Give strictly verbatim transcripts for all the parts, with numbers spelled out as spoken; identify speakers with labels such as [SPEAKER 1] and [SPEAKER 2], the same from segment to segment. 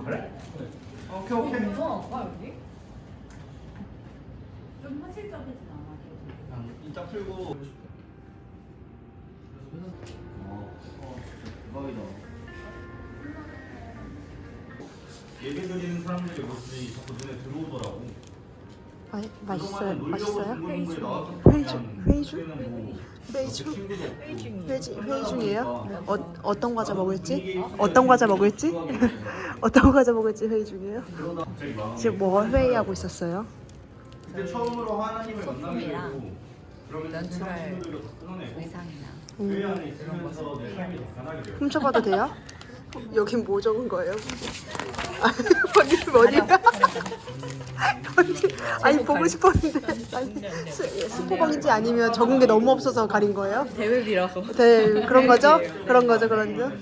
[SPEAKER 1] 아 그래?
[SPEAKER 2] 네.
[SPEAKER 1] 오케이 오케이.
[SPEAKER 3] 무서운가 여기?
[SPEAKER 4] 좀 현실적이진 않아.
[SPEAKER 1] 그냥 이따 풀고. 어, 어, 대박이다. 예배 드리는 사람들의 모습이 자꾸 눈에 들어오더라고.
[SPEAKER 5] 아, 맛있어요? 맛있어요?
[SPEAKER 1] 회의
[SPEAKER 5] 회의 중, 회의 중? 회의 중?
[SPEAKER 1] 회의 중.
[SPEAKER 5] 회의, 중- 회의 중이에요? 어, 어떤 과자 먹을지? 어떤 과자 먹을지? 어떤 과자 먹을지 회의 중이에요? 지금 뭐 회의하고 있었어요?
[SPEAKER 1] 그때 처음으로 하나님을 만나게
[SPEAKER 4] 소품이랑
[SPEAKER 1] 되고 그러면서
[SPEAKER 4] 연출할
[SPEAKER 1] 세상 친구들도 다 끊어내고
[SPEAKER 4] 의상이나
[SPEAKER 1] 교회 안에 있으면서 내 삶이 더 변하게 돼요.
[SPEAKER 5] 훔쳐봐도 돼요? 여긴 뭐 적은 거예요? 어디 어디야? 어디? 아니 보고 싶었는데 아니 스, 스포방인지 아니면 적은 게 너무 없어서 가린 거예요?
[SPEAKER 3] 대회비라서.
[SPEAKER 5] 네 그런 거죠? 그런 거죠 그런 거.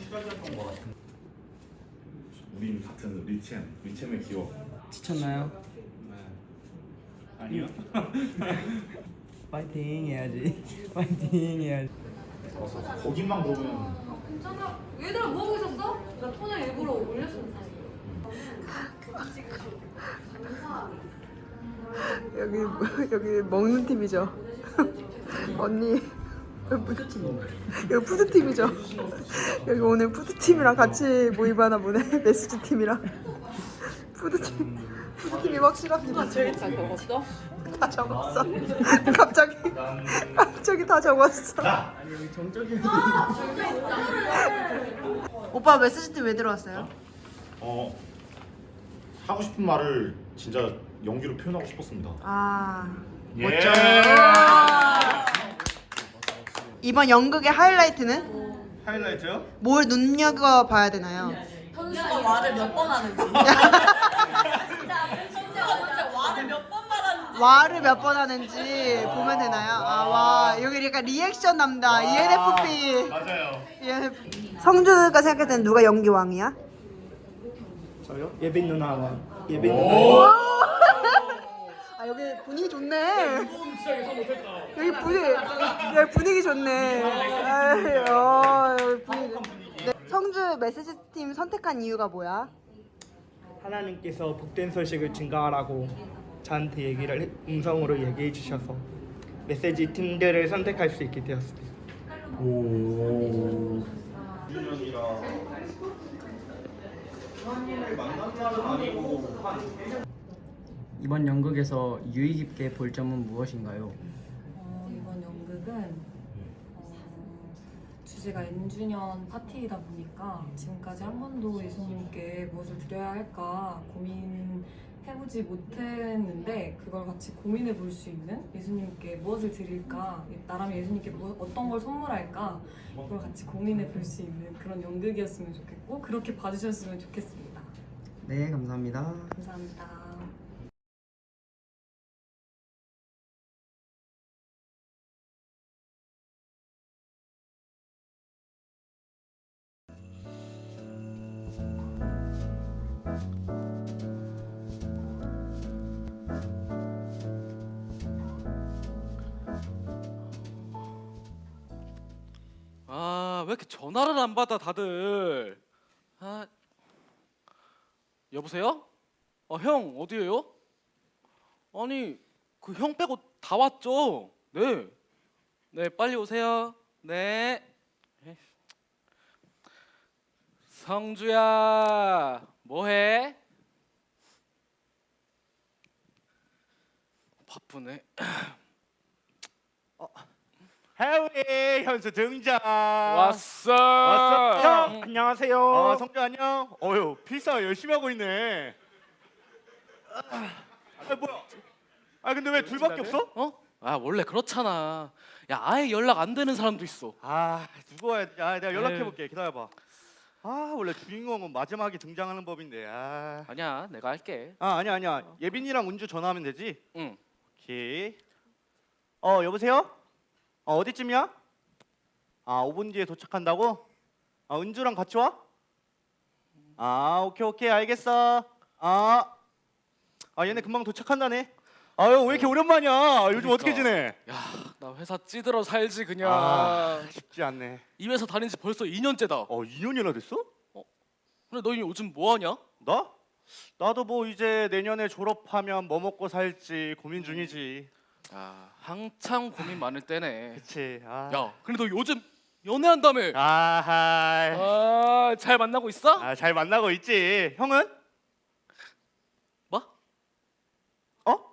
[SPEAKER 6] 우린 같은 리챔, 리챔의 기억.
[SPEAKER 2] 지쳤나요?
[SPEAKER 1] 아니요.
[SPEAKER 2] 파이팅 해야지. 파이팅 해야지.
[SPEAKER 6] 거기만 보면
[SPEAKER 3] 괜찮아. 얘들아 뭐 하고 있었어? 나 폰을 일부러 올렸었어.
[SPEAKER 5] 여기 여기 먹는 팀이죠. 언니 푸드팀. 여기 푸드팀이죠. 여기 오늘 푸드팀이랑 같이 모임하나 보네. 메시지 팀이랑 푸드팀. 푸드팀이 확실합니다.
[SPEAKER 3] 저기 다 적었어?
[SPEAKER 5] 다 적었어. 갑자기 갑자기 다 적었어.
[SPEAKER 2] 아니 여기 정적인.
[SPEAKER 5] 오빠 메시지 팀 왜 들어왔어요?
[SPEAKER 6] 어 하고 싶은 말을 진짜 연기로 표현하고 싶었습니다.
[SPEAKER 5] 아
[SPEAKER 6] 예.
[SPEAKER 5] 멋져. 이번 연극의 하이라이트는
[SPEAKER 1] 하이라이트요?
[SPEAKER 5] 뭘 눈여겨 봐야 되나요?
[SPEAKER 3] 현수가 말을 몇 번 하는지. 현수가 진짜 말을 몇 번 말하는지.
[SPEAKER 5] 와를 몇 번 하는지 보면 되나요? 아, 와 여기 약간 리액션 남다. 이엔에프피.
[SPEAKER 1] 맞아요.
[SPEAKER 5] 이엔에프피. 성주가 생각할 때는 누가 연기 왕이야?
[SPEAKER 2] 저요? 예빈 누나와 예빈 누나.
[SPEAKER 5] 아 여기 분위기 좋네. 여기 분위기 여기 분위기 좋네. 아이, 어, 여기 분위기. 네, 성주 메시지 팀 선택한 이유가 뭐야?
[SPEAKER 2] 하나님께서 복된 소식을 증가하라고 저한테 얘기를 해- 음성으로 얘기해 주셔서 메시지 팀들을 선택할 수 있게 되었습니다.
[SPEAKER 6] 오.
[SPEAKER 1] 유년이라 하나님을 만난 날은 아니고 한
[SPEAKER 2] 이번 연극에서 유의 깊게 볼 점은 무엇인가요?
[SPEAKER 7] 어, 이번 연극은 어, 주제가 N주년 파티이다 보니까 지금까지 한 번도 예수님께 무엇을 드려야 할까 고민해보지 못했는데 그걸 같이 고민해 볼 수 있는 예수님께 무엇을 드릴까 나라면 예수님께 뭐, 어떤 걸 선물할까 그걸 같이 고민해 볼 수 있는 그런 연극이었으면 좋겠고 그렇게 봐주셨으면 좋겠습니다.
[SPEAKER 2] 네, 감사합니다.
[SPEAKER 7] 감사합니다.
[SPEAKER 8] 아, 왜 이렇게 전화를 안 받아 다들? 아, 여보세요? 어, 형 어디에요? 아니, 그 형 빼고 다 왔죠? 네. 네, 빨리 오세요. 네. 에이. 성주야, 뭐해? 바쁘네.
[SPEAKER 1] 해외 현수 등장.
[SPEAKER 8] 왔어.
[SPEAKER 1] 왔어.
[SPEAKER 2] 형, 안녕하세요.
[SPEAKER 1] 아 성주 안녕. 어휴 필사 열심히 하고 있네. 아 뭐야? 아 근데 왜 둘밖에 없어?
[SPEAKER 8] 어? 아, 원래 그렇잖아. 야, 아예 연락 안 되는 사람도 있어.
[SPEAKER 1] 아 누구 와야 돼? 아 내가 연락해
[SPEAKER 8] 에휴.
[SPEAKER 1] 볼게. 기다려봐. 아 원래 주인공은 마지막에 등장하는 법인데. 아,
[SPEAKER 8] 아니야, 내가 할게.
[SPEAKER 1] 아 아니야 아니야. 예빈이랑 운주 전화하면 되지.
[SPEAKER 8] 응.
[SPEAKER 1] 오케이. 어 여보세요? 어 어디쯤이야? 아 오 분 뒤에 도착한다고? 아 은주랑 같이 와? 아 오케이 오케이 알겠어. 아, 아 얘네 금방 도착한다네. 아유 왜 이렇게 오랜만이야? 요즘
[SPEAKER 8] 그러니까.
[SPEAKER 1] 어떻게 지내?
[SPEAKER 8] 야, 나 회사 찌들어 살지 그냥.
[SPEAKER 1] 아 쉽지 않네.
[SPEAKER 8] 이 회사 다닌 지 벌써 이 년째다.
[SPEAKER 1] 어 이 년이나 됐어?
[SPEAKER 8] 근데 너 요즘 뭐 하냐?
[SPEAKER 1] 나? 나도 뭐 이제 내년에 졸업하면 뭐 먹고 살지 고민 중이지.
[SPEAKER 8] 아 한창 고민 많을 때네.
[SPEAKER 1] 그치. 아.
[SPEAKER 8] 야 근데 너 요즘 연애한다며?
[SPEAKER 1] 아하.
[SPEAKER 8] 아잘 만나고 있어?
[SPEAKER 1] 아, 잘 만나고 있지. 형은?
[SPEAKER 8] 뭐?
[SPEAKER 1] 어?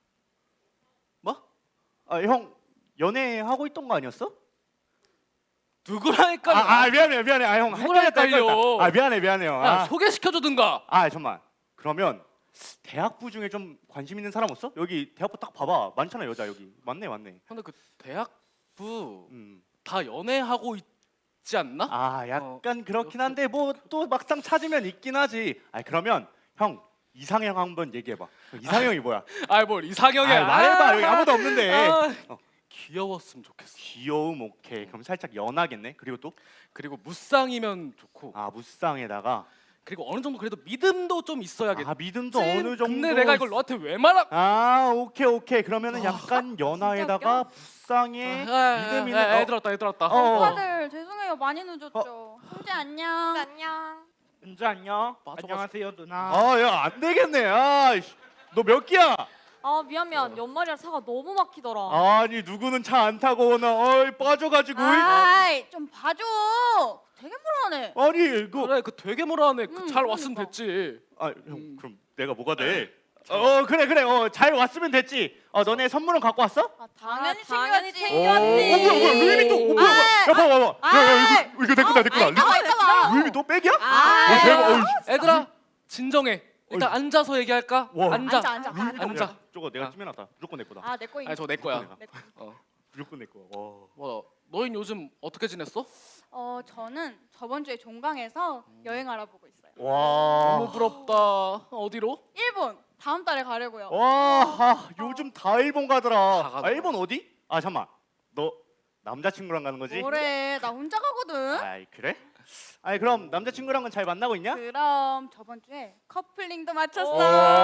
[SPEAKER 1] 뭐? 아, 형 연애하고 있던 거 아니었어?
[SPEAKER 8] 누구랑 헷갈려?
[SPEAKER 1] 아, 아 미안해 미안해. 아, 형
[SPEAKER 8] 누구랑
[SPEAKER 1] 헷갈렸다,
[SPEAKER 8] 헷갈려?
[SPEAKER 1] 헷갈렸다. 아, 미안해 미안해요.
[SPEAKER 8] 야
[SPEAKER 1] 아,
[SPEAKER 8] 소개시켜주든가.
[SPEAKER 1] 아 잠만. 그러면 대학부 중에 좀 관심 있는 사람 없어? 여기 대학부 딱 봐봐. 많잖아 여자 여기. 맞네 맞네.
[SPEAKER 8] 근데 그 대학부
[SPEAKER 1] 음.
[SPEAKER 8] 다 연애하고 있지 않나?
[SPEAKER 1] 아 약간 그렇긴 한데 뭐 또 막상 찾으면 있긴 하지. 아 그러면 형 이상형 한번 얘기해봐. 이상형이 뭐야?
[SPEAKER 8] 아이 뭘 이상형이야.
[SPEAKER 1] 아, 말해봐. 여기 아무도 없는데.
[SPEAKER 8] 아,
[SPEAKER 1] 어.
[SPEAKER 8] 귀여웠으면 좋겠어.
[SPEAKER 1] 귀여움 오케이. 그럼 살짝 연하겠네. 그리고 또
[SPEAKER 8] 그리고 무쌍이면 좋고.
[SPEAKER 1] 아 무쌍에다가
[SPEAKER 8] 그리고 어느 정도 그래도 믿음도 좀 있어야겠지.
[SPEAKER 1] 아 믿음도 어느 정도.
[SPEAKER 8] 근데 내가 이걸 너한테 왜 말하?
[SPEAKER 1] 아 오케이 오케이. 그러면은 약간 연하에다가 무쌍에
[SPEAKER 8] 아,
[SPEAKER 1] 믿음 있는.
[SPEAKER 8] 아,
[SPEAKER 1] 어.
[SPEAKER 8] 애들 왔다 애들 왔다.
[SPEAKER 1] 어.
[SPEAKER 4] 오빠들 죄송해요 많이 늦었죠. 형제 안녕.
[SPEAKER 3] 안녕.
[SPEAKER 2] 은주 안녕.
[SPEAKER 8] 맞아,
[SPEAKER 2] 안녕하세요 누나.
[SPEAKER 1] 아야 안 되겠네. 아너 몇 끼야?
[SPEAKER 3] 아 미안 미안. 연말이라 차가 너무 막히더라.
[SPEAKER 1] 아니 누구는 차 안 타고 오나 어이 빠져가지고.
[SPEAKER 4] 아이 좀 봐줘. 되게 불안해.
[SPEAKER 1] 아니 그
[SPEAKER 8] 그래 그 되게 뭐라하네. 그
[SPEAKER 4] 음,
[SPEAKER 8] 잘 왔으면
[SPEAKER 4] 그러니까.
[SPEAKER 8] 됐지.
[SPEAKER 1] 아, 형 그럼 내가 뭐가 돼? 어 그래 그래 어 잘 왔으면 됐지. 어 너네 선물은 갖고 왔어?
[SPEAKER 4] 아, 당연히
[SPEAKER 3] 아, 당연히
[SPEAKER 4] 챙겼지.
[SPEAKER 1] 오, 어 뭐야 뭐야 루이비통 어, 뭐야 뭐야 야 봐봐 봐봐 야, 야 이거 이거 내 거다 내 거다
[SPEAKER 4] 아이, 나와 있잖아.
[SPEAKER 1] 루이비통 백이야?
[SPEAKER 4] 아,
[SPEAKER 1] 어 대박 어이
[SPEAKER 8] 애들아 진정해. 일단 앉아서 얘기할까?
[SPEAKER 1] 와.
[SPEAKER 8] 앉아.
[SPEAKER 4] 앉아 앉아.
[SPEAKER 8] 앉아.
[SPEAKER 1] 루이비통 저거 내가
[SPEAKER 8] 아.
[SPEAKER 1] 찜해놨다 무조건 내 거다
[SPEAKER 4] 아내 거.
[SPEAKER 8] 아니 저내 거야.
[SPEAKER 1] 내가.
[SPEAKER 4] 내 거.
[SPEAKER 8] 어.
[SPEAKER 1] 무조건 내 거야 와.
[SPEAKER 8] 뭐 너흰 요즘 어떻게 지냈어?
[SPEAKER 4] 어 저는 저번 주에 종강에서 여행 알아보고 있어요.
[SPEAKER 8] 너무
[SPEAKER 1] 와.
[SPEAKER 8] 부럽다. 어디로?
[SPEAKER 4] 일본 다음 달에 가려고요.
[SPEAKER 1] 와 아, 요즘 다 일본
[SPEAKER 8] 다
[SPEAKER 1] 가더라
[SPEAKER 8] 가더라.
[SPEAKER 1] 아 일본 어디? 아 잠만 너 남자친구랑 가는 거지?
[SPEAKER 4] 뭐래 나 혼자 가거든.
[SPEAKER 1] 아이 그래? 아니 그럼 남자친구랑은 잘 만나고 있냐?
[SPEAKER 4] 그럼 저번 주에 커플링도
[SPEAKER 1] 오
[SPEAKER 4] 마쳤어.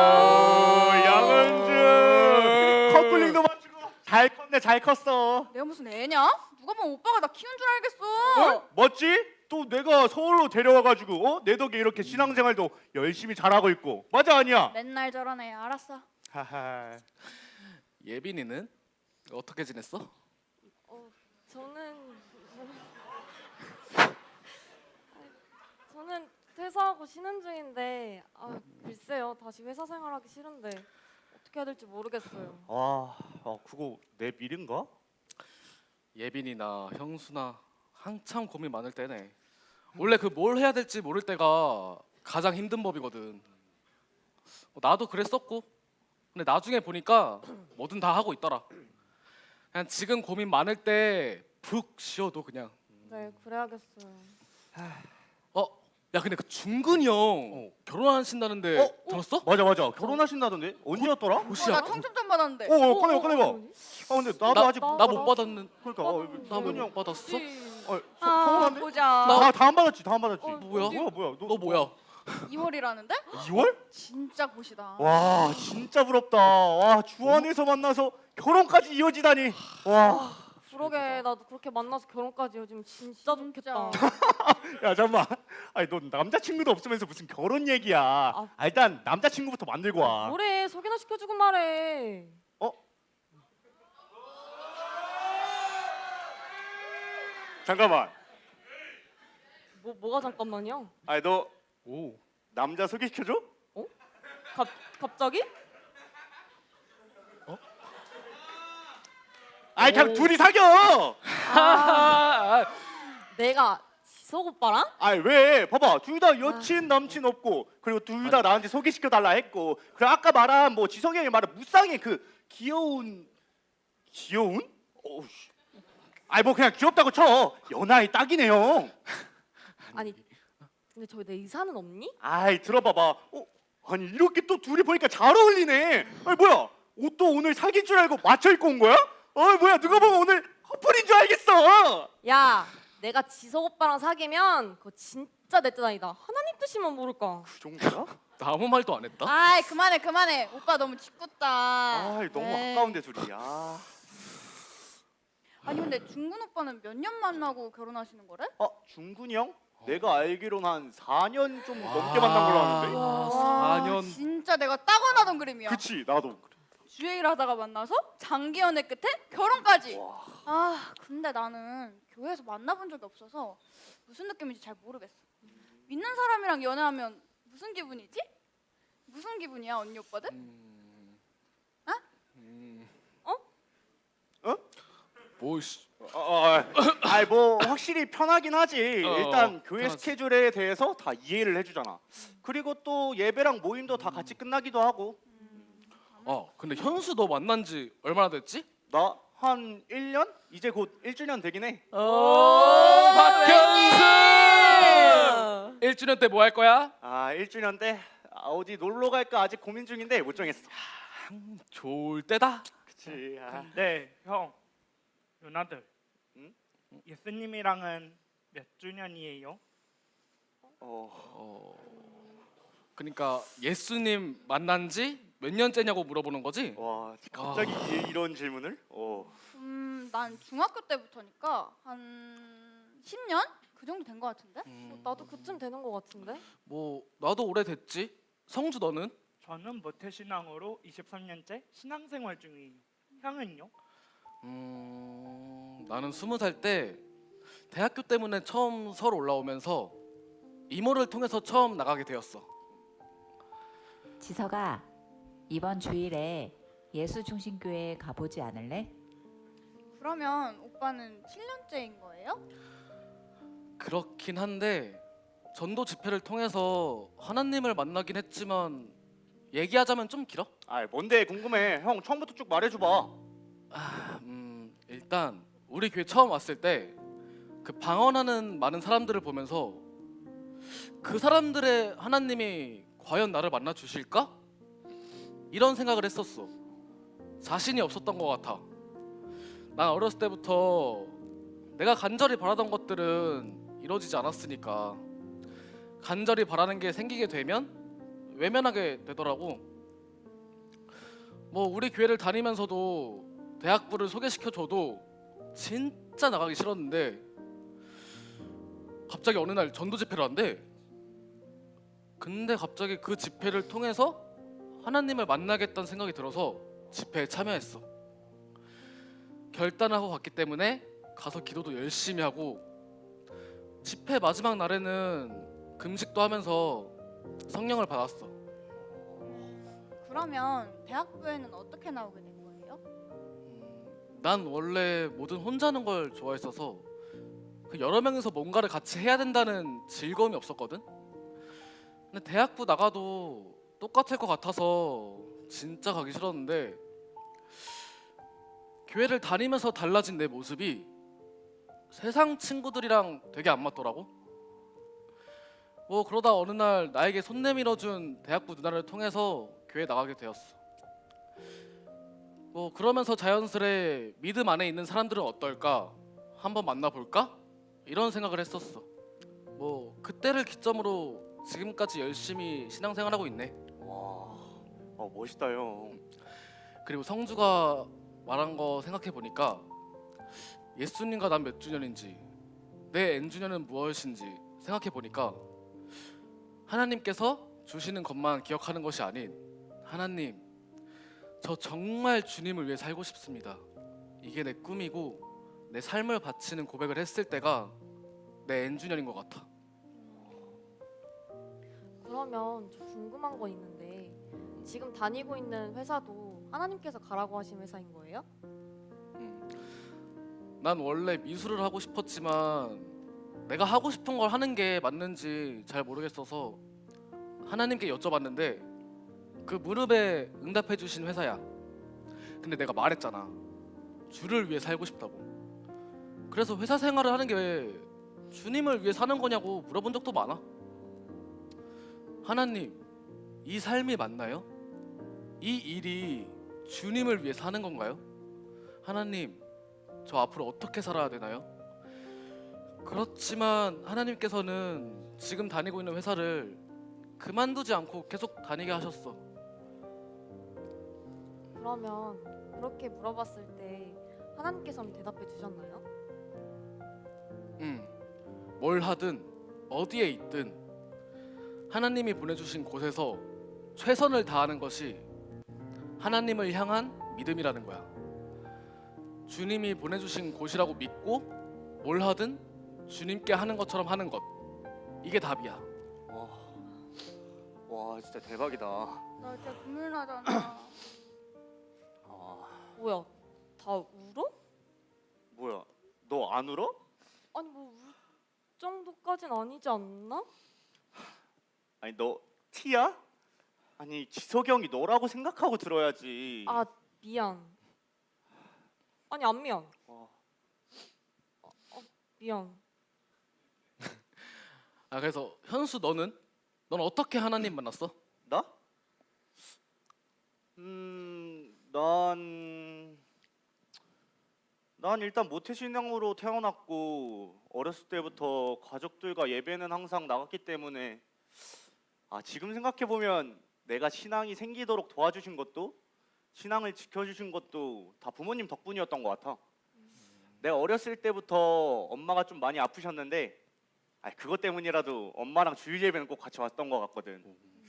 [SPEAKER 1] 양은주 커플링도 맞추고 잘 컸네 잘 컸어
[SPEAKER 4] 내가 무슨 애냐? 누가 보면 오빠가 나 키운 줄 알겠어.
[SPEAKER 1] 어? 멋지? 또 내가 서울로 데려와가지고 어? 내 덕에 이렇게 신앙생활도 열심히 잘하고 있고 맞아 아니야?
[SPEAKER 4] 맨날 저러네. 알았어.
[SPEAKER 1] 하하
[SPEAKER 8] 예빈이는 어떻게 지냈어?
[SPEAKER 3] 저는 저는 퇴사하고 쉬는 중인데 아 글쎄요 다시 회사 생활하기 싫은데 어떻게 해야 될지 모르겠어요.
[SPEAKER 1] 와 어, 그거 내 미련가?
[SPEAKER 8] 예빈이나 형수나 한참 고민 많을 때네. 원래 그 뭘 해야 될지 모를 때가 가장 힘든 법이거든. 어, 나도 그랬었고. 근데 나중에 보니까 뭐든 다 하고 있더라. 그냥 지금 고민 많을 때 푹 쉬어도 그냥.
[SPEAKER 3] 네 그래야겠어요.
[SPEAKER 8] 어, 야 근데 그 중근이 형
[SPEAKER 1] 어.
[SPEAKER 8] 결혼하신다는데
[SPEAKER 1] 어?
[SPEAKER 8] 들었어?
[SPEAKER 1] 맞아 맞아 결혼하신다던데 언제였더라?
[SPEAKER 4] 어,
[SPEAKER 8] 호시야.
[SPEAKER 4] 나 청첩장 받았는데.
[SPEAKER 1] 어, 어 꺼내봐 꺼내봐 아 근데 나도
[SPEAKER 8] 나-
[SPEAKER 1] 아직
[SPEAKER 8] 나
[SPEAKER 1] 못
[SPEAKER 8] 못
[SPEAKER 1] 받아.
[SPEAKER 8] 받았는.
[SPEAKER 1] 그러니까 어,
[SPEAKER 8] 나
[SPEAKER 1] 승근이 형
[SPEAKER 8] 못 받았어?
[SPEAKER 1] 어, 서,
[SPEAKER 4] 아,
[SPEAKER 1] 서운한데?
[SPEAKER 4] 보자.
[SPEAKER 1] 나 다음 받았지 다음 받았지
[SPEAKER 8] 어, 뭐야?
[SPEAKER 1] 뭐야 뭐야
[SPEAKER 8] 너 뭐야?
[SPEAKER 4] 이월이라는데?
[SPEAKER 1] 이월?
[SPEAKER 4] 진짜 고시다.
[SPEAKER 1] 와 진짜 부럽다. 와 주안에서 만나서 결혼까지 이어지다니. 와.
[SPEAKER 3] 그러게 나도 그렇게 만나서 결혼까지 요즘 진짜 좋겠다.
[SPEAKER 1] 야 잠만. 아니 너 남자친구도 없으면서 무슨 결혼 얘기야. 아, 일단 남자친구부터 만들고 와.
[SPEAKER 3] 뭐래 소개나 시켜주고 말해.
[SPEAKER 1] 어? 잠깐만.
[SPEAKER 3] 뭐 뭐가 잠깐만요.
[SPEAKER 1] 아니 너
[SPEAKER 8] 오.
[SPEAKER 1] 남자 소개시켜줘?
[SPEAKER 3] 갑 갑자기?
[SPEAKER 1] 아니 그냥
[SPEAKER 8] 오.
[SPEAKER 1] 둘이 사겨.
[SPEAKER 8] 아,
[SPEAKER 3] 내가 지석 오빠랑?
[SPEAKER 1] 아니 왜? 봐봐 둘 다 여친 남친 없고 그리고 둘 다 나한테 소개시켜 달라 했고 그리고 아까 말한 뭐 지성이 형이 말한 무쌍의 그 귀여운 귀여운? 어우씨. 아니 뭐 그냥 귀엽다고 쳐. 연하의 딱이네 형.
[SPEAKER 3] 아니 근데 저기 내 의사는 없니?
[SPEAKER 1] 아이 들어봐봐. 어 아니 이렇게 또 둘이 보니까 잘 어울리네. 아니 뭐야 옷도 오늘 사귈 줄 알고 맞춰 입고 온 거야? 어 뭐야 누가 보면 오늘 커플인 줄 알겠어.
[SPEAKER 3] 야 내가 지석 오빠랑 사귀면 그거 진짜 내 뜻 아니다. 하나님 뜻이면 모를까.
[SPEAKER 1] 그 정도야?
[SPEAKER 8] 나 아무 말도 안 했다.
[SPEAKER 4] 아이 그만해 그만해. 오빠 너무 짓궂다.
[SPEAKER 1] 아이 너무
[SPEAKER 4] 에이.
[SPEAKER 1] 아까운데 둘이. 아.
[SPEAKER 4] 아니 근데 중근 오빠는 몇 년 만나고 결혼하시는 거래?
[SPEAKER 1] 어 중근이 형? 내가 알기로는 한 사 년 좀 넘게 만난 걸로 아는데.
[SPEAKER 8] 와,
[SPEAKER 4] 와,
[SPEAKER 8] 사 년.
[SPEAKER 4] 진짜 내가 딱 원하던 그림이야.
[SPEAKER 1] 그치 나도.
[SPEAKER 4] 주행을 하다가 만나서 장기 연애 끝에 결혼까지.
[SPEAKER 1] 와.
[SPEAKER 4] 아, 근데 나는 교회에서 만나본 적이 없어서 무슨 느낌인지 잘 모르겠어. 믿는 사람이랑 연애하면 무슨 기분이지? 무슨 기분이야, 언니 오빠들?
[SPEAKER 8] 음.
[SPEAKER 4] 어?
[SPEAKER 8] 음.
[SPEAKER 3] 어?
[SPEAKER 1] 어?
[SPEAKER 8] 뭐 씨.
[SPEAKER 1] 어, 어, 아이 뭐 확실히 편하긴 하지.
[SPEAKER 8] 어,
[SPEAKER 1] 일단 교회
[SPEAKER 8] 편하지.
[SPEAKER 1] 스케줄에 대해서 다 이해를 해주잖아. 그리고 또 예배랑 모임도 다 같이 끝나기도 하고.
[SPEAKER 8] 어, 근데 현수 너 만난 지 얼마나 됐지?
[SPEAKER 1] 나 한 일 년? 이제 곧 일 주년 되긴 해.
[SPEAKER 8] 오, 박현수! 일 주년 때 뭐 할 거야?
[SPEAKER 1] 아 일 주년 때 아, 어디 놀러 갈까 아직 고민 중인데 못 정했어.
[SPEAKER 8] 좋을 때다.
[SPEAKER 1] 그치. 아.
[SPEAKER 2] 근데 형, 누나들,
[SPEAKER 1] 응?
[SPEAKER 2] 예수님이랑은 몇 주년이에요?
[SPEAKER 1] 어.
[SPEAKER 8] 어. 그러니까 예수님 만난 지 몇 년째냐고 물어보는 거지?
[SPEAKER 1] 와 갑자기 이- 이런 질문을? 어.
[SPEAKER 4] 음, 난 중학교 때부터니까 한 십 년? 그 정도 된 것 같은데?
[SPEAKER 8] 음,
[SPEAKER 3] 나도 그쯤 되는 것 같은데.
[SPEAKER 8] 뭐 나도 오래됐지. 성주 너는?
[SPEAKER 2] 저는 모태신앙으로 이십삼 년째 신앙생활 중이에요. 형은요?
[SPEAKER 8] 음, 나는 스무 살 때 대학교 때문에 처음 서울 올라오면서 이모를 통해서 처음 나가게 되었어.
[SPEAKER 9] 지석아, 이번 주일에 예수중심교회에 가보지 않을래?
[SPEAKER 4] 그러면 오빠는 칠 년째인 거예요?
[SPEAKER 8] 그렇긴 한데 전도 집회를 통해서 하나님을 만나긴 했지만 얘기하자면 좀 길어?
[SPEAKER 1] 아 뭔데 궁금해. 형 처음부터 쭉 말해줘봐.
[SPEAKER 8] 아, 음, 일단 우리 교회 처음 왔을 때 그 방언하는 많은 사람들을 보면서 그 사람들의 하나님이 과연 나를 만나 주실까? 이런 생각을 했었어. 자신이 없었던 것 같아. 난 어렸을 때부터 내가 간절히 바라던 것들은 이루어지지 않았으니까 간절히 바라는 게 생기게 되면 외면하게 되더라고. 뭐 우리 교회를 다니면서도 대학부를 소개시켜줘도 진짜 나가기 싫었는데 갑자기 어느 날 전도 집회를 한대. 근데 갑자기 그 집회를 통해서 하나님을 만나겠다는 생각이 들어서 집회에 참여했어. 결단하고 갔기 때문에 가서 기도도 열심히 하고 집회 마지막 날에는 금식도 하면서 성령을 받았어.
[SPEAKER 4] 그러면 대학부에는 어떻게 나오게 된 거예요?
[SPEAKER 8] 음, 난 원래 뭐든 혼자 하는 걸 좋아했어서 그 여러 명이서 뭔가를 같이 해야 된다는 즐거움이 없었거든. 근데 대학부 나가도 똑같을 것 같아서 진짜 가기 싫었는데 교회를 다니면서 달라진 내 모습이 세상 친구들이랑 되게 안 맞더라고. 뭐 그러다 어느 날 나에게 손 내밀어준 대학부 누나를 통해서 교회 나가게 되었어. 뭐 그러면서 자연스레 믿음 안에 있는 사람들은 어떨까? 한번 만나볼까? 이런 생각을 했었어. 뭐 그때를 기점으로 지금까지 열심히 신앙생활하고 있네.
[SPEAKER 1] 와, 아 멋있다 형.
[SPEAKER 8] 그리고 성주가 말한 거 생각해 보니까 예수님과 난 몇 주년인지 내 N주년은 무엇인지 생각해 보니까 하나님께서 주시는 것만 기억하는 것이 아닌 하나님, 저 정말 주님을 위해 살고 싶습니다. 이게 내 꿈이고 내 삶을 바치는 고백을 했을 때가 내 N주년인 것 같아.
[SPEAKER 3] 그러면 저 궁금한 거 있는데 지금 다니고 있는 회사도 하나님께서 가라고 하신 회사인 거예요?
[SPEAKER 8] 음, 난 원래 미술을 하고 싶었지만 내가 하고 싶은 걸 하는 게 맞는지 잘 모르겠어서 하나님께 여쭤봤는데 그 무릎에 응답해 주신 회사야. 근데 내가 말했잖아. 주를 위해 살고 싶다고. 그래서 회사 생활을 하는 게 왜 주님을 위해 사는 거냐고 물어본 적도 많아. 하나님, 이 삶이 맞나요? 이 일이 주님을 위해 사는 건가요? 하나님, 저 앞으로 어떻게 살아야 되나요? 그렇지만 하나님께서는 지금 다니고 있는 회사를 그만두지 않고 계속 다니게 하셨어.
[SPEAKER 3] 그러면 그렇게 물어봤을 때 하나님께서는 대답해 주셨나요?
[SPEAKER 8] 음, 뭘 하든 어디에 있든 하나님이 보내주신 곳에서 최선을 다하는 것이 하나님을 향한 믿음이라는 거야. 주님이 보내주신 곳이라고 믿고 뭘 하든 주님께 하는 것처럼 하는 것, 이게 답이야.
[SPEAKER 1] 와, 와 진짜 대박이다.
[SPEAKER 4] 나 진짜 눈물 나잖아.
[SPEAKER 1] 아,
[SPEAKER 3] 뭐야? 다 울어?
[SPEAKER 1] 뭐야? 너 안 울어?
[SPEAKER 3] 아니 뭐 울 정도까진 아니지 않나?
[SPEAKER 1] 아니 너 티야? 아니 지석이 형이 너라고 생각하고 들어야지.
[SPEAKER 3] 아 미안. 아니 안 미안.
[SPEAKER 1] 어.
[SPEAKER 3] 어, 어, 미안.
[SPEAKER 8] 아 그래서 현수 너는? 넌 어떻게 하나님 만났어?
[SPEAKER 1] 나? 음, 난, 난 일단 모태신앙으로 태어났고 어렸을 때부터 가족들과 예배는 항상 나갔기 때문에 아 지금 생각해 보면 내가 신앙이 생기도록 도와주신 것도 신앙을 지켜주신 것도 다 부모님 덕분이었던 것 같아. 내가 어렸을 때부터 엄마가 좀 많이 아프셨는데 아 그것 때문이라도 엄마랑 주일 예배는 꼭 같이 왔던 것 같거든.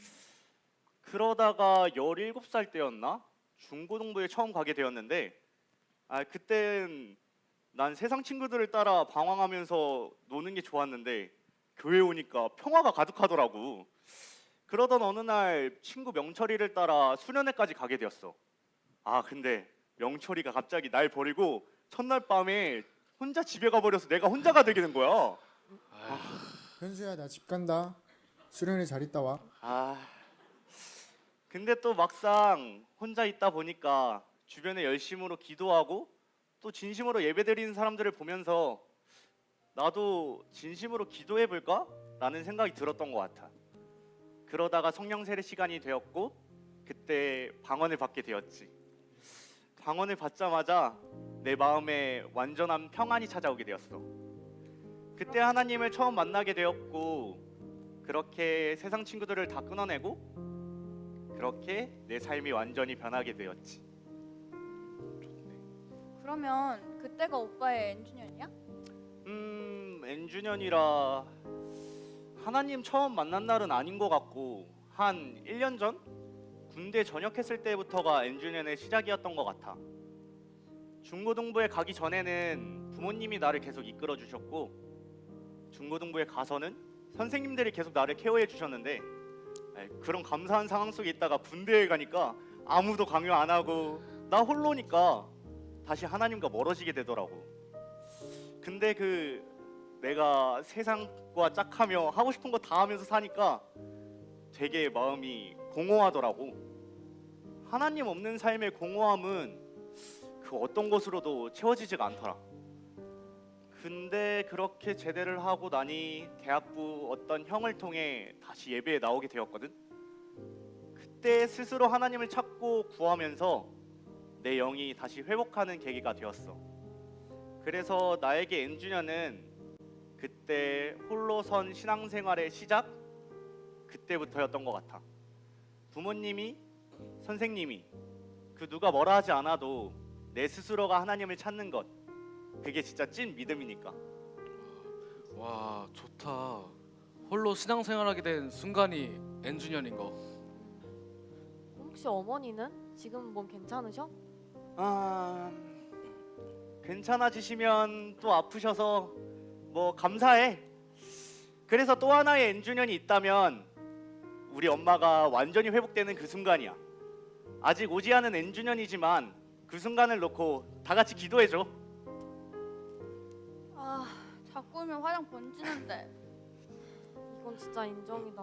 [SPEAKER 1] 그러다가 열일곱 살 때였나? 중고등부에 처음 가게 되었는데 아 그땐 난 세상 친구들을 따라 방황하면서 노는 게 좋았는데 교회 오니까 평화가 가득하더라고. 그러던 어느 날 친구 명철이를 따라 수련회까지 가게 되었어. 아 근데 명철이가 갑자기 날 버리고 첫날 밤에 혼자 집에 가버려서 내가 혼자가 되게 된 거야.
[SPEAKER 10] 현수야 나 집 간다. 수련회 잘 있다 와.
[SPEAKER 1] 아 근데 또 막상 혼자 있다 보니까 주변에 열심으로 기도하고 또 진심으로 예배드리는 사람들을 보면서 나도 진심으로 기도해 볼까? 라는 생각이 들었던 것 같아. 그러다가 성령 세례 시간이 되었고 그때 방언을 받게 되었지. 방언을 받자마자 내 마음에 완전한 평안이 찾아오게 되었어. 그때 하나님을 처음 만나게 되었고 그렇게 세상 친구들을 다 끊어내고 그렇게 내 삶이 완전히 변하게 되었지.
[SPEAKER 4] 그러면 그때가 오빠의 N주년이야?
[SPEAKER 1] 음, N주년이라 하나님 처음 만난 날은 아닌 것 같고 한 일 년 전? 군대 전역했을 때부터가 N주년의 시작이었던 것 같아. 중고등부에 가기 전에는 부모님이 나를 계속 이끌어 주셨고 중고등부에 가서는 선생님들이 계속 나를 케어해 주셨는데 에이, 그런 감사한 상황 속에 있다가 군대에 가니까 아무도 강요 안 하고 나 홀로니까 다시 하나님과 멀어지게 되더라고. 근데 그 내가 세상과 짝하며 하고 싶은 거 다 하면서 사니까 되게 마음이 공허하더라고. 하나님 없는 삶의 공허함은 그 어떤 것으로도 채워지지가 않더라. 근데 그렇게 제대를 하고 나니 대학부 어떤 형을 통해 다시 예배에 나오게 되었거든. 그때 스스로 하나님을 찾고 구하면서 내 영이 다시 회복하는 계기가 되었어. 그래서 나에게 N주년은 그때 홀로 선 신앙생활의 시작? 그때부터였던 것 같아. 부모님이, 선생님이 그 누가 뭐라 하지 않아도 내 스스로가 하나님을 찾는 것, 그게 진짜 찐 믿음이니까.
[SPEAKER 8] 와 좋다. 홀로 신앙생활하게 된 순간이 N주년인 거.
[SPEAKER 3] 혹시 어머니는 지금 몸 괜찮으셔?
[SPEAKER 1] 아, 괜찮아지시면 또 아프셔서 뭐 감사해. 그래서 또 하나의 N주년이 있다면 우리 엄마가 완전히 회복되는 그 순간이야. 아직 오지 않은 N주년이지만 그 순간을 놓고 다 같이 기도해줘.
[SPEAKER 4] 아, 자꾸 울면 화장 번지는데.
[SPEAKER 3] 이건 진짜 인정이다.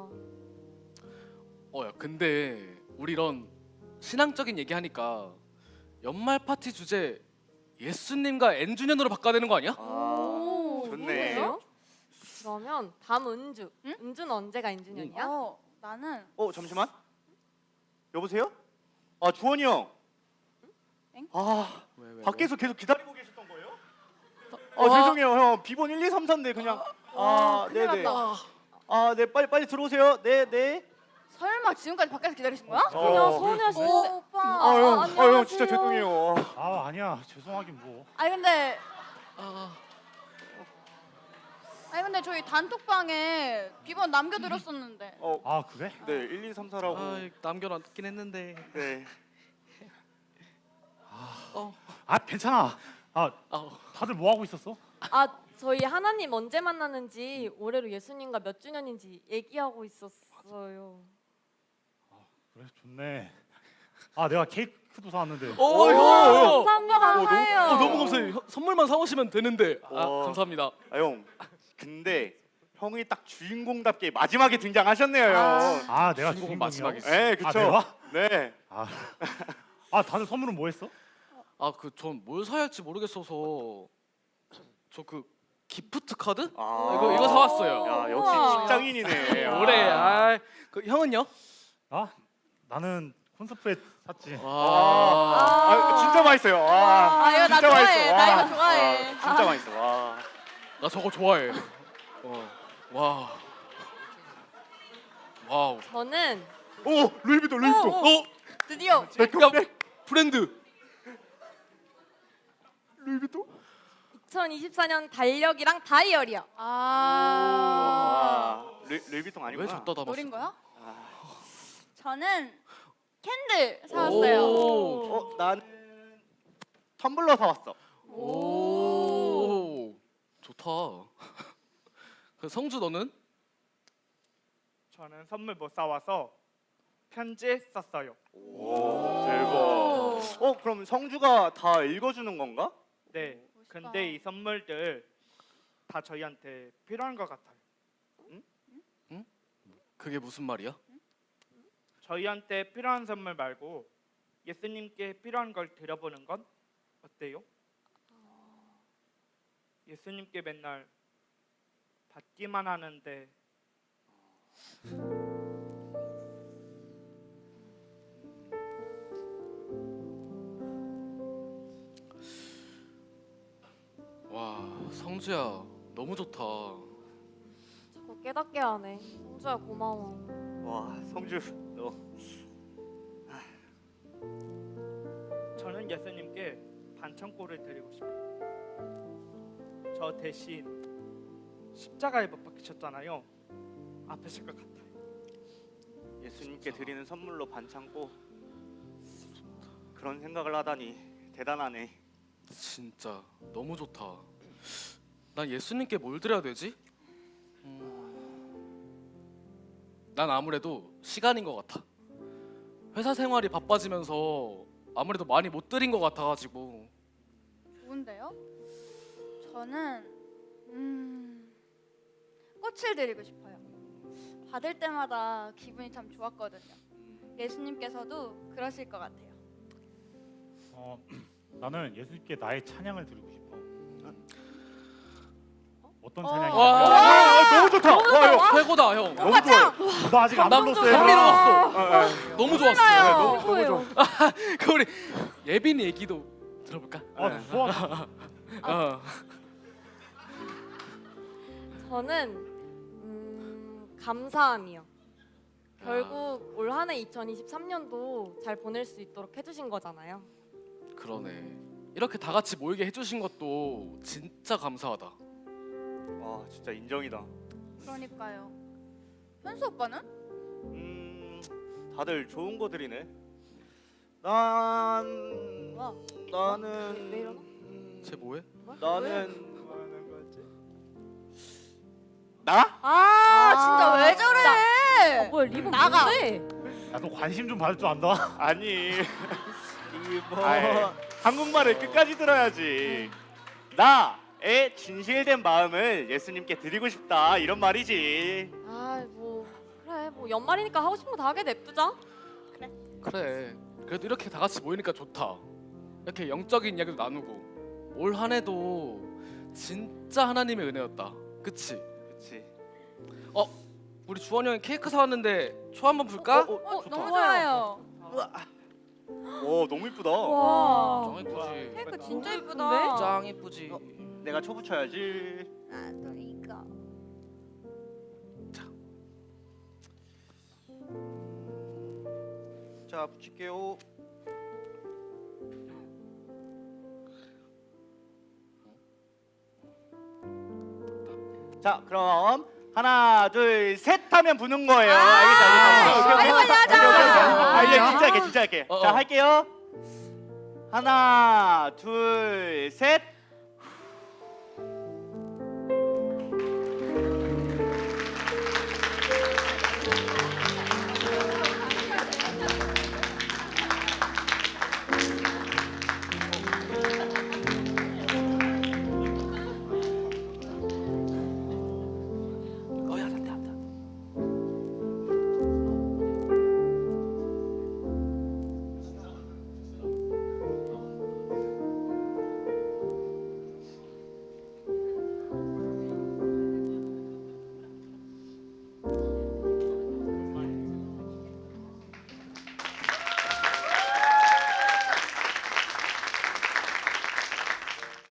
[SPEAKER 8] 어야 근데 우리 이런 신앙적인 얘기하니까 연말 파티 주제 예수님과 N주년으로 바꿔야 되는 거 아니야?
[SPEAKER 1] 아, 좋네.
[SPEAKER 3] 그래요? 그러면 다음 은주.
[SPEAKER 4] 응?
[SPEAKER 3] 은주는 언제가 N주년이야?
[SPEAKER 4] 어, 나는
[SPEAKER 1] 어 잠시만. 여보세요? 아 주원이 형.
[SPEAKER 4] 엥?
[SPEAKER 1] 아
[SPEAKER 8] 왜, 왜, 왜?
[SPEAKER 1] 밖에서 계속 기다리고 계셨던 거예요? 아
[SPEAKER 3] 어.
[SPEAKER 1] 죄송해요 형. 비번 일, 이, 삼, 사인데 그냥. 아
[SPEAKER 4] 큰일
[SPEAKER 1] 네네.
[SPEAKER 4] 났다.
[SPEAKER 1] 아 네 빨리 빨리 들어오세요. 네 네.
[SPEAKER 4] 설마 지금까지 밖에서 기다리신 거야?
[SPEAKER 3] 그냥
[SPEAKER 1] 어,
[SPEAKER 3] 서운해하실
[SPEAKER 4] 오,
[SPEAKER 3] 때.
[SPEAKER 4] 오빠.
[SPEAKER 1] 아 형, 아, 형
[SPEAKER 3] 안녕하세요.
[SPEAKER 1] 진짜 죄송해요.
[SPEAKER 6] 아 아니야 죄송하긴 뭐.
[SPEAKER 4] 아니 근데
[SPEAKER 8] 아,
[SPEAKER 4] 아니 근데 근데 저희 단톡방에 비번 남겨드렸었는데.
[SPEAKER 1] 어,
[SPEAKER 11] 아 그래?
[SPEAKER 1] 네, 일, 이, 삼, 사라고.
[SPEAKER 8] 아, 남겨놨긴 했는데.
[SPEAKER 1] 네.
[SPEAKER 11] 아 괜찮아. 아
[SPEAKER 8] 아,
[SPEAKER 11] 다들 뭐 하고 있었어?
[SPEAKER 3] 아 저희 하나님 언제 만나는지 올해로 예수님과 몇 주년인지 얘기하고 있었어요.
[SPEAKER 11] 그래 좋네. 아 내가 케이크도 사왔는데.
[SPEAKER 8] 오, 형.
[SPEAKER 3] 감사합니다. 감사해요.
[SPEAKER 8] 어, 너무 감사해요. 형, 선물만 사오시면 되는데. 아,
[SPEAKER 1] 와.
[SPEAKER 8] 감사합니다.
[SPEAKER 1] 아, 형. 근데 형이 딱 주인공답게 마지막에 등장하셨네요, 형.
[SPEAKER 11] 아 내가
[SPEAKER 8] 주인공은
[SPEAKER 11] 주인공이야.
[SPEAKER 8] 마지막이지.
[SPEAKER 1] 네, 그쵸.
[SPEAKER 11] 아 내가?
[SPEAKER 1] 네.
[SPEAKER 11] 아, 아 다들 선물은 뭐 했어?
[SPEAKER 8] 아, 그 전 뭘 사야 할지 모르겠어서 저 그 기프트 카드?
[SPEAKER 1] 아,
[SPEAKER 8] 이거 이거 사왔어요.
[SPEAKER 1] 야, 역시
[SPEAKER 3] 우와.
[SPEAKER 1] 직장인이네. 아.
[SPEAKER 8] 올해 아, 그 형은요?
[SPEAKER 11] 아 나는 콘서트에 샀지.
[SPEAKER 1] 아,
[SPEAKER 8] 와.
[SPEAKER 1] 아, 진짜 맛있어요. 와.
[SPEAKER 4] 아 이거 나
[SPEAKER 1] 진짜
[SPEAKER 4] 좋아해.
[SPEAKER 1] 맛있어.
[SPEAKER 4] 나
[SPEAKER 1] 와.
[SPEAKER 4] 이거 좋아해.
[SPEAKER 1] 와, 진짜 맛있어. 와.
[SPEAKER 8] 나 저거 좋아해. 어. 와. 와우.
[SPEAKER 3] 저는
[SPEAKER 1] 오, 루이비통, 루이비통.
[SPEAKER 8] 어?
[SPEAKER 4] 드디어.
[SPEAKER 8] 야, 브랜드.
[SPEAKER 1] 루이비통?
[SPEAKER 3] 이천이십사 년 달력이랑 다이어리요.
[SPEAKER 4] 아.
[SPEAKER 1] 와. 루, 루이비통
[SPEAKER 8] 왜
[SPEAKER 1] 아니구나.
[SPEAKER 8] 줬다 담았어?
[SPEAKER 4] 노린 거야?
[SPEAKER 1] 아.
[SPEAKER 4] 저는 캔들 사왔어요.
[SPEAKER 8] 오.
[SPEAKER 1] 어, 나는 텀블러 사왔어.
[SPEAKER 8] 오. 좋다. 그 성주 너는?
[SPEAKER 2] 저는 선물 못 사와서 편지 썼어요.
[SPEAKER 1] 오, 대박. 어, 그럼 성주가 다 읽어주는 건가?
[SPEAKER 2] 네.
[SPEAKER 4] 멋있다.
[SPEAKER 2] 근데 이 선물들 다 저희한테 필요한 것 같아요.
[SPEAKER 8] 그게 무슨 말이야?
[SPEAKER 2] 저희한테 필요한 선물 말고 예수님께 필요한 걸 드려보는 건 어때요? 예수님께 맨날 받기만 하는데
[SPEAKER 8] 와, 성주야. 너무 좋다.
[SPEAKER 3] 자꾸 깨닫게 하네. 성주야 고마워.
[SPEAKER 1] 와, 성주 너
[SPEAKER 2] 저는 예수님께 반창고를 드리고 싶어요. 저 대신 십자가에 못 박히셨잖아요. 아프실 것 같아요.
[SPEAKER 1] 예수님께 드리는 선물로 반창고 그런 생각을 하다니 대단하네.
[SPEAKER 8] 진짜 너무 좋다. 난 예수님께 뭘 드려야 되지? 음... 난 아무래도 시간인 것 같아. 회사 생활이 바빠지면서 아무래도 많이 못 드린 것 같아가지고.
[SPEAKER 4] 좋은데요? 저는 음, 꽃을 드리고 싶어요. 받을 때마다 기분이 참 좋았거든요. 예수님께서도 그러실 것 같아요.
[SPEAKER 11] 어 나는 예수님께 나의 찬양을 드리고 싶어. 어떤
[SPEAKER 3] 어.
[SPEAKER 11] 찬양이야?
[SPEAKER 8] 와,
[SPEAKER 1] 와, 너무 좋다. 와, 형.
[SPEAKER 8] 최고다 형.
[SPEAKER 1] 너무 좋아.
[SPEAKER 11] 너 아직 안
[SPEAKER 8] 나
[SPEAKER 11] 불렀어요.
[SPEAKER 8] 감미로웠어.
[SPEAKER 1] 아, 아.
[SPEAKER 8] 너무 좋았어.
[SPEAKER 1] 네, 너무 너무
[SPEAKER 3] 뭐예요?
[SPEAKER 1] 좋아.
[SPEAKER 8] 그 우리 예빈 얘기도 들어볼까?
[SPEAKER 11] 아 좋아.
[SPEAKER 8] 어.
[SPEAKER 3] 저는 음, 감사함이요. 결국 올 한해 이천이십삼 년도 잘 보낼 수 있도록 해주신 거잖아요.
[SPEAKER 8] 그러네. 이렇게 다 같이 모이게 해주신 것도 진짜 감사하다.
[SPEAKER 1] 와, 진짜 인정이다.
[SPEAKER 4] 그러니까요. 현수 오빠는?
[SPEAKER 1] 음, 다들 좋은 거 드리네. 난
[SPEAKER 3] 와,
[SPEAKER 1] 나는
[SPEAKER 3] 왜 이러나?
[SPEAKER 1] 음,
[SPEAKER 8] 쟤 뭐해?
[SPEAKER 1] 나는
[SPEAKER 2] 뭐 하는 거지?
[SPEAKER 1] 나?
[SPEAKER 4] 아, 진짜 왜
[SPEAKER 3] 아,
[SPEAKER 4] 저래?
[SPEAKER 3] 뭐야 리본
[SPEAKER 4] 나가.
[SPEAKER 3] 뭔데?
[SPEAKER 11] 야너 관심 좀 받을 줄 안다.
[SPEAKER 1] 아니 이뭐
[SPEAKER 2] 아이.
[SPEAKER 1] 한국말을 끝까지 들어야지. 나의 진실된 마음을 예수님께 드리고 싶다 이런 말이지.
[SPEAKER 3] 아 뭐 그래 뭐 연말이니까 하고 싶은 거 다 하게 냅두자.
[SPEAKER 8] 그래. 그래도 이렇게 다 같이 모이니까 좋다. 이렇게 영적인 이야기도 나누고 올 한해도 진짜 하나님의 은혜였다. 그치?
[SPEAKER 1] 그렇지.
[SPEAKER 8] 우리 주원이 형이 케이크 사왔는데 초 한번 불까?
[SPEAKER 1] 어, 어,
[SPEAKER 4] 어,
[SPEAKER 1] 좋다.
[SPEAKER 4] 너무 좋아요.
[SPEAKER 1] 오, 너무 이쁘다.
[SPEAKER 3] 와.
[SPEAKER 8] 짱 이쁘지.
[SPEAKER 4] 케이크
[SPEAKER 3] 너무
[SPEAKER 4] 진짜
[SPEAKER 3] 예쁜데?
[SPEAKER 4] 예쁘다.
[SPEAKER 8] 짱 이쁘지.
[SPEAKER 1] 어. 내가 초 붙여야지.
[SPEAKER 4] 나도 이거.
[SPEAKER 1] 자, 붙일게요. 자, 그럼 하나, 둘, 셋 하면 부는 거예요.
[SPEAKER 3] 아,
[SPEAKER 1] 알겠어, 알겠어. 오케이, 오케이.
[SPEAKER 3] 빨리 빨리 하자.
[SPEAKER 1] 오케이, 오케이, 오케이. 아, 이제 진짜 할게, 진짜 할게.
[SPEAKER 8] 어,
[SPEAKER 1] 자,
[SPEAKER 8] 어.
[SPEAKER 1] 할게요. 하나, 둘, 셋.